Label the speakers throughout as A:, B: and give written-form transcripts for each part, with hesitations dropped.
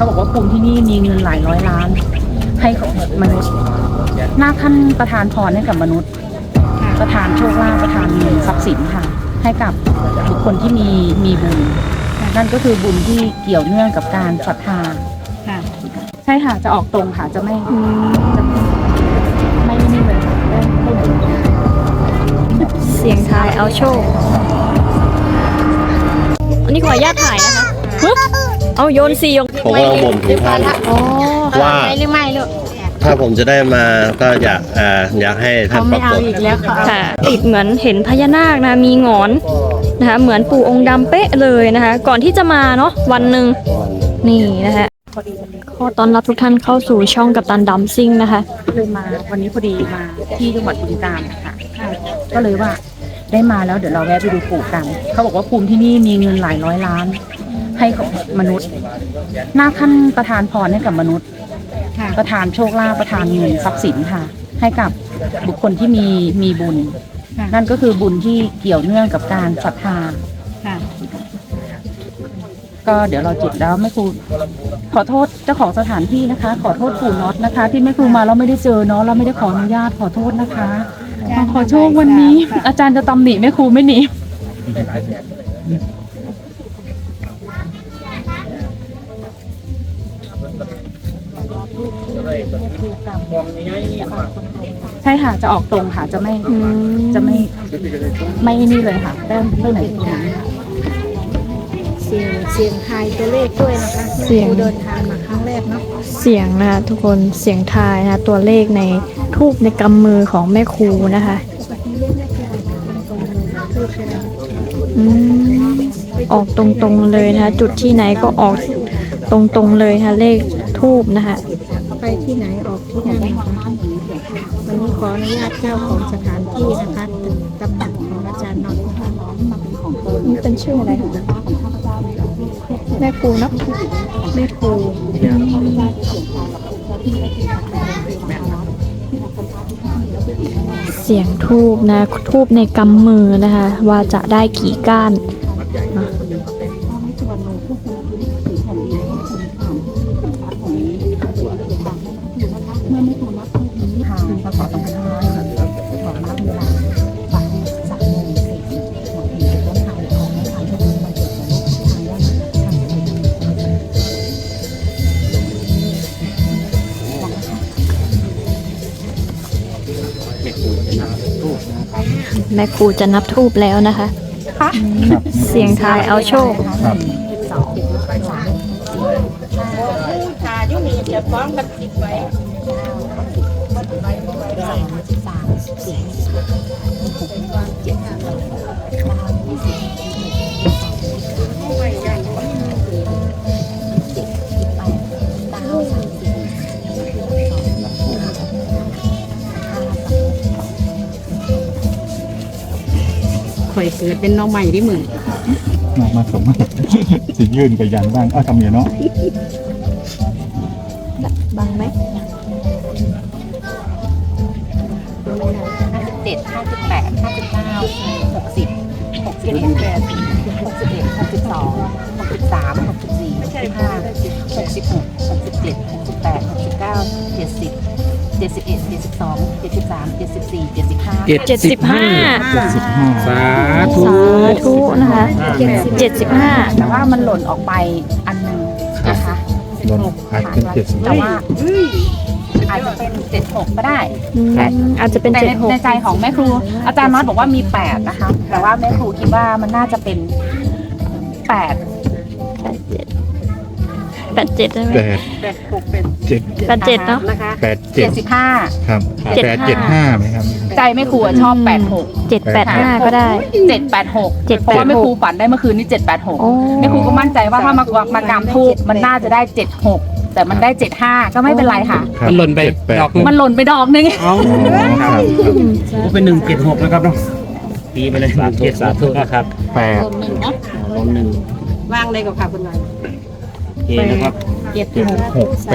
A: เขาบอกว่าภูมิที่นี่มีเงินหลายร้อยล้านให้กับมนุษย์นาคท่านประทานพรให้กับมนุษย์ประทานโชคลาภประทานเงินทรัพย์สินค่ะให้กับบุคคลที่มีบุญนั่นก็คือบุญที่เกี่ยวเนื่องกับการศรัทธาใช่ค่ะจะออกตรงค่ะจะไม่นี่เลยค่ะไม่ถึง
B: เสียงทายเอาโชคอันนี้ขออนุญาตถ่ายนะคะเอาโยน4 ยง
C: ผมก็บ่นถึงท่านว่า
B: หรือไม่ลูก
C: ถ้าผมจะได้มาก็อยากให้ท่านปรากฏ
B: ค่ะติดเหมือนเห็นพญานาคนะมีหงอนนะคะเหมือนปู่องค์ดำเป๊ะเลยนะคะก่อนที่จะมาเนาะวันหนึ่งนี่นะคะขอต้อนรับทุกท่านเข้าสู่ช่องกัปตันดัมซิ่งนะคะ
A: เลยมาวันนี้พอดีมาที่จังหวัดบึงกาฬนะคะก็เลยว่าได้มาแล้วเดี๋ยวเราแวะไปดูปู่กันเขาบอกว่าภูมิที่นี่มีเงินหลายร้อยล้านให้กับมนุษย์นาคท่านประทานพรให้กับมนุษย์ประทานโชคลาภประทานเงินทรัพย์สินค่ะให้กับบุคคลที่มีบุญนั่นก็คือบุญที่เกี่ยวเนื่องกับการศรัทธาก็เดี๋ยวเราจุดแล้วแม่ครูขอโทษเจ้าของสถานที่นะคะขอโทษปู่น็อตนะคะที่แม่ครูมาเราไม่ได้เจอเนาะเราไม่ได้ขออนุญาตขอโทษนะคะขอโชควันนี้อาจารย์จะตำหนิแม่ครูไม่หนีใช่ค่ะจะออกตรงค่ะจะไม่นี่เลยค่ะแต้มเท่าไหร่
D: เสียงทายตัวเลขด้วยนะคะเสียงเดินทางมาครั้งแรกเนาะ
B: เสียงนะคะทุกคนเสียงทายนะตัวเลขในทูบในกำมือของแม่ครูนะคะออกตรงๆเลยนะคะจุดที่ไหนก็ออกตรงๆเลยค่ะเลขทูบนะคะ
D: ไปที่ไหนออกที่นั่นนะคะวันนี้ขออนุญาตเจ้าของสถานที่นะคะตำหนักของอาจารย์น็อต
B: นี่เป็นชื่ออะไรคะแม่ครูเนาะแม่ครูเสียงทูบนะทูบในกำมือนะคะว่าจะได้กี่ก้านแม่ครูจะนับทูบแล้วนะคะเสียงทายเอาโชค
A: ข่อยเกิดเป็นน้องใหม่ที่มือ
E: มาสมสิยื่นกับยันบ้างทำอย่างเนาะ
B: บังไหม
A: 57 58 59 60 61 61 62 63 64 65 66 67 68 69 70 71 72 73 74
B: 75
E: สา
B: ธุนะคะ75
A: แต่ว่ามันหล่นออกไปอันหนึ่งนะคะแต่ว่าอาจจะเป็น76ก็ได้
B: อาจจะเป็น
A: 76ในใจของแม่ครูอาจารย์น็อตบอกว่ามี8นะคะแต่ว่าแม่ครูคิดว่ามันน่าจะเป็น8
B: 87ได้ไหม
A: 86เป็น
B: 87เนาะ
A: 75
E: ครับ875ไหมครับ
A: ใจแม่ครูชอบ
B: 785ก็ได้
A: 786เพราะว่าแม่ครูฝันได้เมื่อคืนนี้786แม่ครูก็มั่นใจว่าถ้ามากามทูบมันน่าจะได้76แต่มันได้75ก็ไม่เป็นไรค่ะ
F: มันหล่นไปดอก
A: มันหล่นไปดอกนึง
F: ก็เป็น176นะครับเนาะตีไปเลยสาธุนะครับ
E: 8
F: ลง
D: ว่างเลยกับค่ะคุณวัน
F: โอเคนะครับ
E: 876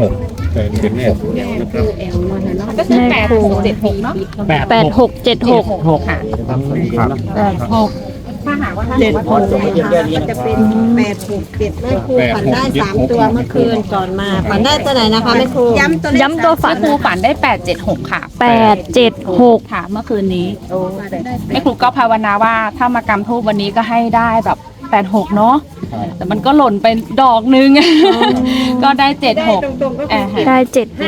A: ก็คือ8676เนาะ
B: 8676
A: ค่ะ86ถ้าหาก
D: 7 จะเป็น8 6 7แม่ครูฝันได้3 ตัวเมื่อคืนก่อนมาฝันได้ตัวไหนนะคะแม่ครู
B: ย้ำตัวฝัน
A: แม่ครูฝันได้876ค่ะ
B: 876
A: ค่ะเมื่อคืนนี้แม่ครูก็ภาวนาว่าถ้ามากำทูบวันนี้ก็ให้ได้แบบ86เนาะแต่มันก็หล่นไปดอกนึงก็ได้76
B: ได้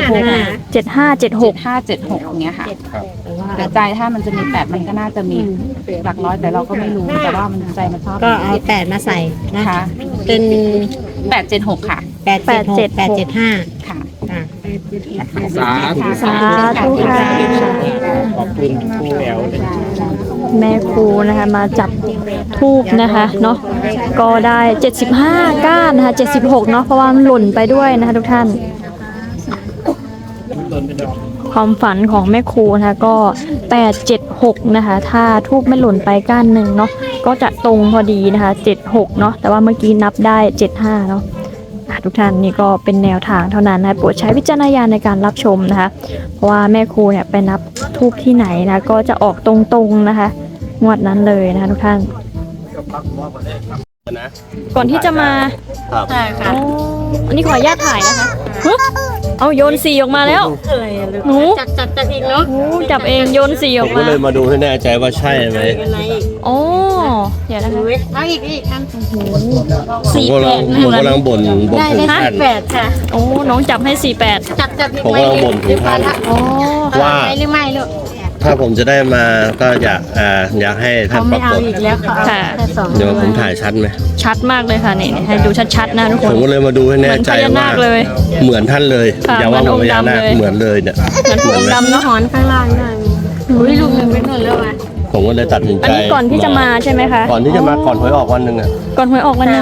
B: 7576
A: 576อย่างเงี้ยค่ะแต่ใจถ้ามันจะมี8มันก็น่าจะมีหลักร้อยแต่เราก็ไม่รู้แต่ว่ามันใจมันชอบ
D: ก็เอา8มาใส่นะ
A: ค่ะ
D: เป็น
A: 876ค่ะ
D: 876 875
A: ค่ะ
F: สาธุ
B: สาธุค่ะ
F: ขอบคุณครูแอล
B: แม่ครูนะคะมาจับทูบนะคะเนาะก็ได้75ก้านนะคะ76เนาะเพราะว่ามันหล่นไปด้วยนะคะทุกท่านความฝันของแม่ครูนะคะก็876นะคะถ้าทูบไม่หล่นไปก้านหนึ่งเนาะก็จะตรงพอดีนะคะ76เนาะแต่ว่าเมื่อกี้นับได้75เนาะทุกท่านนี่ก็เป็นแนวทางเท่านั้นนะโปรดใช้วิจารณญาณในการรับชมนะคะเพราะว่าแม่ครูเนี่ยไปนับทูบที่ไหนนะก็จะออกตรงๆนะคะงวดนั้นเลยนะคะทุกท่านก่อนที่จะมา
C: ครับ
B: อ๋ออันนี้ขออนุญาตถ่ายนะคะฮึเอาโยนสีออกมาแล้วหนู
D: จับอีกเนาะ
B: จับเองโยนสีอ
C: ผ
B: อ
C: ม
B: ก
C: ก็
B: มา
C: เลยมาดูให้แน่ใจว่าใช่ไหม
B: อ๋อเดี๋ยวนะคะ
D: เอาอีกอัน
C: ผมกำลังบ่น
D: ได้
C: ถึงท่าน
D: 8ค่ะ
B: โอ้น้องจับให้48
D: จับอีก
C: ผมกำลังบ่นถึงท่าน
B: อ๋อ
C: ว่า
D: หรือไม่ลูก
C: ถ้าผมจะได้มาก็อยากให้ท่านปรากฏ
B: ค่ะ
C: เดี๋ยวผมถ่ายชัดไหม
B: ชัดมากเลยค่ะนี่ให้ดูชัดๆนะทุกค
C: ผ
B: น
C: มก็เลยมาดูให้แน่ใจ
B: เหมือนพญานา
C: ว่า
B: คเลย
C: เหมือนท่านเลย
B: ค่ะ
C: อย่าว่าผมพญานาค
B: เหมือนองค์ดำเลย
C: เหมือนเลยเนี่ย
B: เหมือนปูองค์ดำเนาะ
D: หอนข้างล่างด้วยอุ้ยลูกหนึ่งเป็นหนึ่งแล้วอ่ะ
C: ผมก็เลยตัดสินใจ
B: อันนี้ก่อนที่จะมาใช่ไหมคะ
C: ก่อนที่จะมาก่อนหวยออกวันหนึ่งอ่ะ
B: ก่อนหวยออกวันหนึง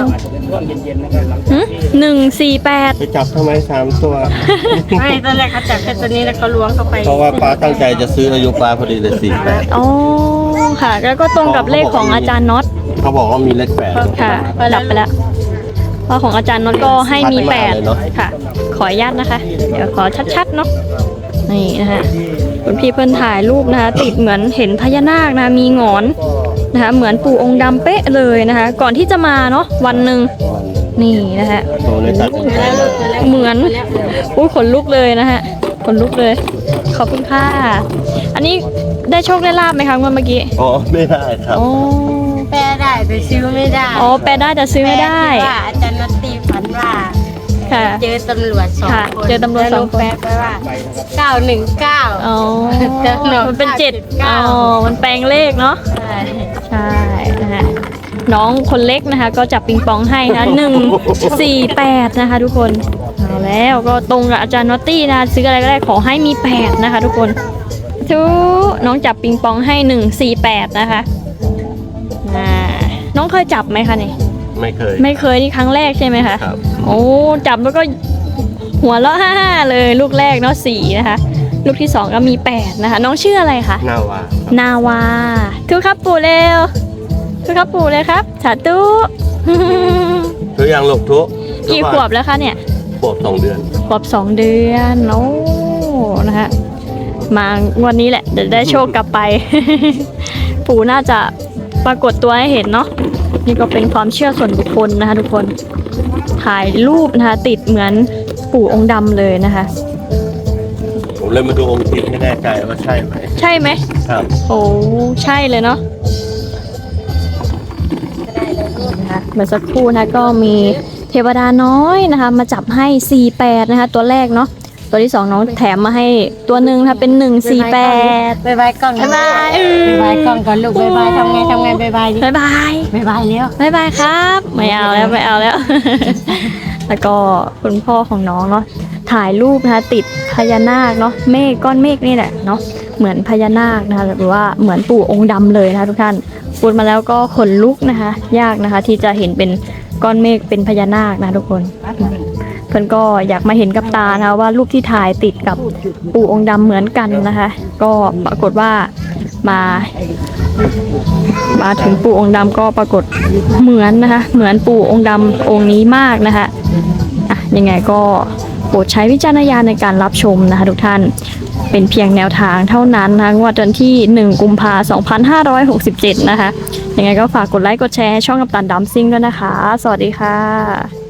B: 148
C: ไปจับทำไม3 ตัว
D: ไม่ตอนแรกเขาจับแค่ตัวนี้แล้วเขาล้วงเข้าไป
C: เพราะว่าป้าตั้งใจจะซื้ออายุป้าพอดีเลย48
B: อ๋อค่ะแล้วก็ตรงกับเลขของอาจารย์น็อต
C: เขาบอกว่ามีเลข8
B: ค่ะดับไปแล้วเพราะของอาจารย์น็อตก็ให้มี
C: ชัดมากเลยเนอะ
B: 8ค่ะขออนุญาตนะคะ เดี๋ยวขอชัดๆเนาะนี่นะคะคุณพี่เพิ่นถ่ายรูปนะคะติดเหมือนเห็นพญานาคนะมีหงอนนะคะเหมือนปู่องค์ดำเป๊ะเลยนะคะ ก่อนที่จะมาเนาะวันหนึ่งนี่นะคะ
C: ผมเลยตัดสินใจ
B: เหมือนอุ้ยขนลุกเลยนะฮะขนลุกเลยขอบคุณค่ะอันนี้ได้โชคได้ลาบไหมคะเมื่อกี้
C: อ๋อไม่ได้ครับ
B: อ๋อ
D: แปลได้แต่ซื้อไม่ได้
B: อ๋อแปลได้แต่ซื้อไม่ได้
D: แปลที่ว่าอาจารย์นตตีฝันว่า
B: ค่ะ
D: เจอตำรวจ2
B: ค่ะ
D: คน
B: เจอตำรวจ2 คน
D: แปลไปว่า919
B: อ๋อมันเป็น7อ๋อมันแปลงเลขเนาะ
D: ใช่
B: ใช่นะฮะน้องคนเล็กนะคะก็จับปิงปองให้นะ148นะคะทุกคนเอาแล้วก็ตรงกับอาจารย์นอตตี้นะซื้ออะไรก็ได้ขอให้มี8นะคะทุกคนทุน้องจับปิงปองให้148นะคะน้องเคยจับไหมคะนี่
C: ไม่เคย
B: ไม่เคยนี่ครั้งแรกใช่ไหมคะ
C: ครับ
B: โอ้จับแล้วก็หัวเราะฮ่าๆเลยลูกแรกเนาะ4นะคะลูกที่2ก็มี8นะคะน้องชื่ออะไรคะ
C: น่าวาน
B: าวาทุกครับปู่เร็วทุกครับปู่เลยครับสาธุ
C: ทุกอย่างหลบทุก
B: กี่ขวบแล้วคะเนี่ย
C: ขวบ2 เดือน
B: ขวบ2 เดือนโอ้นะฮะมางวดนี้แหละเดี๋ยวได้โชคกลับไป ปู่น่าจะปรากฏตัวให้เห็นเนาะนี่ก็เป็นความเชื่อส่วนบุคคลนะคะทุกคนถ่ายรูปนะคะติดเหมือนปู่องค์ดำเลยนะคะ
C: ผมเลยมาดูองค์จริงให้แน่ใจว่าใช่ไหม
B: ใช่ไหม
C: ครับ
B: โอ้ใช่เลยเนาะนะคะเมื่อสักครู่นะก็มีเทวดาน้อยนะคะมาจับให้48นะคะตัวแรกเนาะตัวที่2น้องแถมมาให้ตัวหนึ่งค่ะเป็น148
D: บายบายกล้อง
B: บ๊ายบาย
D: บายบายกล้องก่อนลูกบายบายทำไงบายบายดิ
B: บ๊ายบาย
D: บายบายแล้ว
B: บ๊ายบายครับไม่เอาแล้วไม่เอาแล้ว แล้วก็คุณพ่อของน้องเนาะถ่ายรูปนะคะติดพญานาคเนาะเมฆก้อนเมฆนี่แหละเนาะเหมือนพญานาคนะคะหรือว่าเหมือนปู่องค์ดำเลยนะคะทุกท่านพูดมาแล้วก็ขนลุกนะคะยากนะคะที่จะเห็นเป็นก้อนเมฆเป็นพญานาคนะทุกคนเพื่อนก็อยากมาเห็นกับตานะคะว่ารูปที่ถ่ายติดกับปู่องค์ดำเหมือนกันนะคะ ก็ปรากฏว่ามาถึงปู่องค์ดำก็ปรากฏเหมือนนะคะเหมือนปู่องค์ดำองค์นี้มากนะคะอ่ะยังไงก็โปรดใช้วิจารณญาณในการรับชมนะคะทุกท่านเป็นเพียงแนวทางเท่านั้นนะคะงวดวันที่ 1 กุมภาพันธ์ 2567 นะคะยังไงก็ฝากกดไลค์กดแชร์ช่องกัปตันดัมซิ่งด้วยนะคะ สวัสดีค่ะ